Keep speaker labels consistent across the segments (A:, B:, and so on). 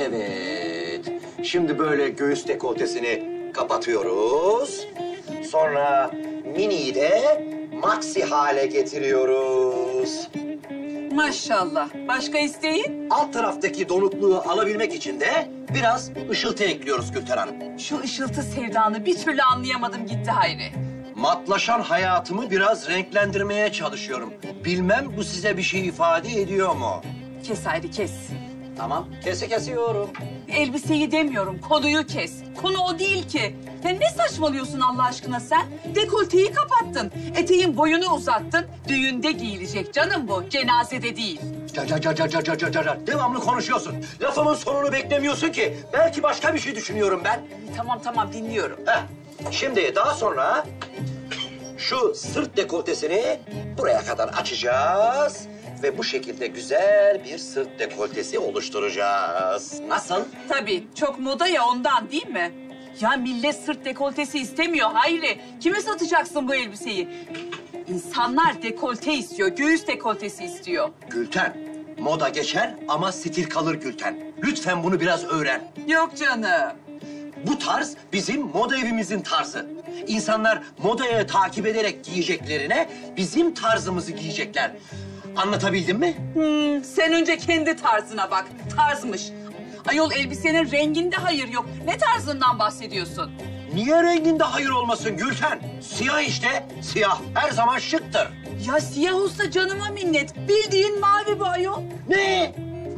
A: Evet. Şimdi böyle göğüs dekoltesini kapatıyoruz. Sonra miniyi de maxi hale getiriyoruz.
B: Maşallah. Başka isteğin?
A: Alt taraftaki donukluğu alabilmek için de biraz ışıltı ekliyoruz Gülten Hanım.
B: Şu ışıltı sevdanı bir türlü anlayamadım gitti Hayri.
A: Matlaşan hayatımı biraz renklendirmeye çalışıyorum. Bilmem bu size bir şey ifade ediyor mu?
B: Kes Hayri kes.
A: Tamam, kesiyorum.
B: Elbiseyi demiyorum, konuyu kes. Konu o değil ki. Ya ne saçmalıyorsun Allah aşkına sen? Dekolteyi kapattın, eteğin boyunu uzattın. Düğünde giyilecek canım bu, cenazede değil.
A: Devamlı konuşuyorsun. Lafımın sonunu beklemiyorsun ki. Belki başka bir şey düşünüyorum ben.
B: Tamam dinliyorum.
A: Şimdi daha sonra şu sırt dekoltesini buraya kadar açacağız. Ve bu şekilde güzel bir sırt dekoltesi oluşturacağız. Nasıl?
B: Tabii, çok moda ya ondan değil mi? Ya millet sırt dekoltesi istemiyor Hayri. Kime satacaksın bu elbiseyi? İnsanlar dekolte istiyor, göğüs dekoltesi istiyor.
A: Gülten, moda geçer ama stil kalır Gülten. Lütfen bunu biraz öğren.
B: Yok canım.
A: Bu tarz bizim moda evimizin tarzı. İnsanlar modaya takip ederek giyeceklerine bizim tarzımızı giyecekler. Anlatabildim mi?
B: Sen önce kendi tarzına bak. Tarzmış. Ayol elbisenin renginde hayır yok. Ne tarzından bahsediyorsun?
A: Niye renginde hayır olmasın Gülten? Siyah işte. Siyah her zaman şıktır.
B: Ya siyah olsa canıma minnet. Bildiğin mavi bu ayol.
A: Ne?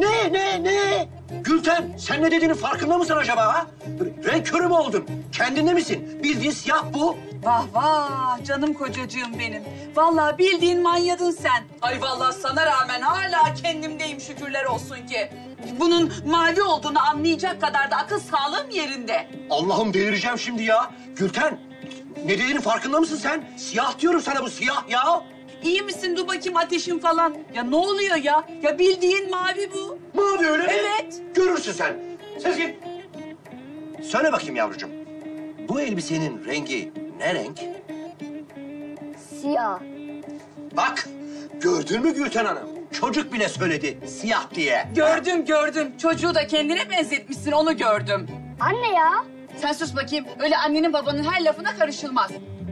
A: Gülten sen ne dediğinin farkında mısın acaba ha? Renk körü mü oldun? Kendinde misin? Bildiğin siyah bu.
B: Vah canım kocacığım benim. Vallahi bildiğin manyadın sen. Ay vallahi sana rağmen hala kendimdeyim şükürler olsun ki. Bunun mavi olduğunu anlayacak kadar da akıl sağlığım yerinde.
A: Allah'ım delireceğim şimdi ya. Gülten ne dediğinin farkında mısın sen? Siyah diyorum sana bu siyah ya.
B: İyi misin? Dur bakayım ateşin falan. Ya ne oluyor ya? Ya bildiğin mavi bu.
A: Mavi öyle mi?
B: Evet.
A: Görürsün sen. Sezgin. Söyle bakayım yavrucuğum. Bu elbisenin rengi ne renk?
C: Siyah.
A: Bak gördün mü Gülten Hanım? Çocuk bile söyledi siyah diye.
B: Gördüm. Çocuğu da kendine benzetmişsin onu gördüm.
C: Anne ya.
B: Sen sus bakayım. Öyle annenin babanın her lafına karışılmaz.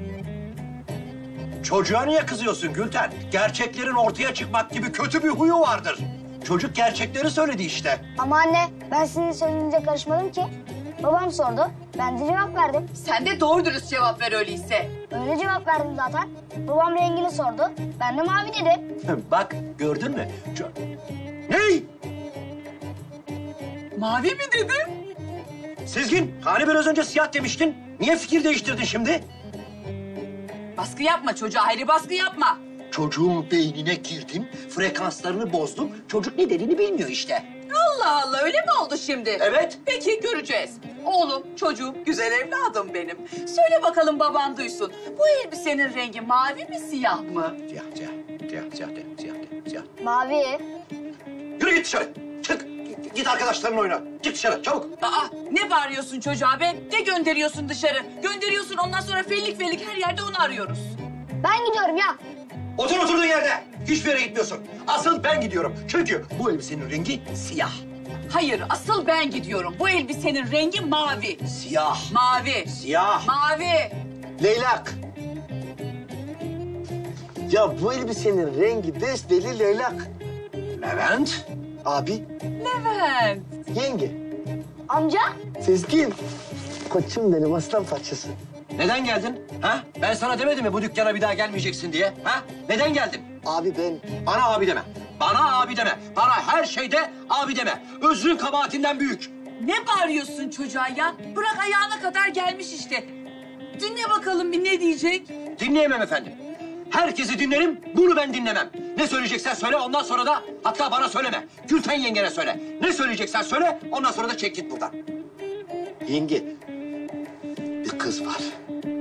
A: Çocuğa niye kızıyorsun Gülten? Gerçeklerin ortaya çıkmak gibi kötü bir huyu vardır. Çocuk gerçekleri söyledi işte.
C: Ama anne ben sizin söylediğinize karışmadım ki. Babam sordu. Ben de cevap verdim.
B: Sen de doğru dürüst cevap ver öyleyse.
C: Öyle cevap verdim zaten. Babam rengini sordu. Ben de mavi dedim.
A: Bak gördün mü? Ney?
B: Mavi mi dedin?
A: Sezgin hani biraz önce siyah demiştin? Niye fikir değiştirdin şimdi?
B: Baskı yapma çocuğa Hayri baskı yapma.
A: Çocuğun beynine girdim, frekanslarını bozdum. Çocuk ne dediğini bilmiyor işte.
B: Allah öyle mi oldu şimdi?
A: Evet.
B: Peki göreceğiz. Oğlum, çocuğum, güzel evladım benim. Söyle bakalım baban duysun. Bu elbisenin rengi mavi mi siyah mı?
A: Siyah.
C: Mavi.
A: Yürü git dışarı. Çık. Git arkadaşlarınla oyna. Git dışarı çabuk.
B: Aa ne bağırıyorsun çocuğa be? Ne gönderiyorsun dışarı? Gönderiyorsun ondan sonra fellik her yerde onu arıyoruz.
C: Ben gidiyorum ya.
A: Oturduğun yerde. Hiçbir yere gitmiyorsun. Asıl ben gidiyorum. Çünkü bu elbisenin rengi siyah.
B: Hayır asıl ben gidiyorum. Bu elbisenin rengi mavi.
A: Siyah.
B: Mavi.
A: Siyah.
B: Mavi.
D: Leylak. Ya bu elbisenin rengi besbelli leylak.
A: Levent.
D: Abi,
B: Levent.
D: yenge,
C: Amca.
D: Sezgin. Koçum benim aslan parçası.
A: Neden geldin? Ha? Ben sana demedim mi bu dükkana bir daha gelmeyeceksin diye? Ha? Neden geldin?
D: Abi ben
A: Bana abi deme. Bana abi deme. Bana her şeyde abi deme. Özrün kabahatinden büyük.
B: Ne bağırıyorsun çocuğa ya? Bırak ayağına kadar gelmiş işte. Dinle bakalım bir ne diyecek.
A: Dinleyemem efendim. Herkesi dinlerim, bunu ben dinlemem. Ne söyleyeceksen söyle, ondan sonra da hatta bana söyleme. Gülten yengene söyle. Ne söyleyeceksen söyle, ondan sonra da çek git buradan.
D: yenge. Bir kız var.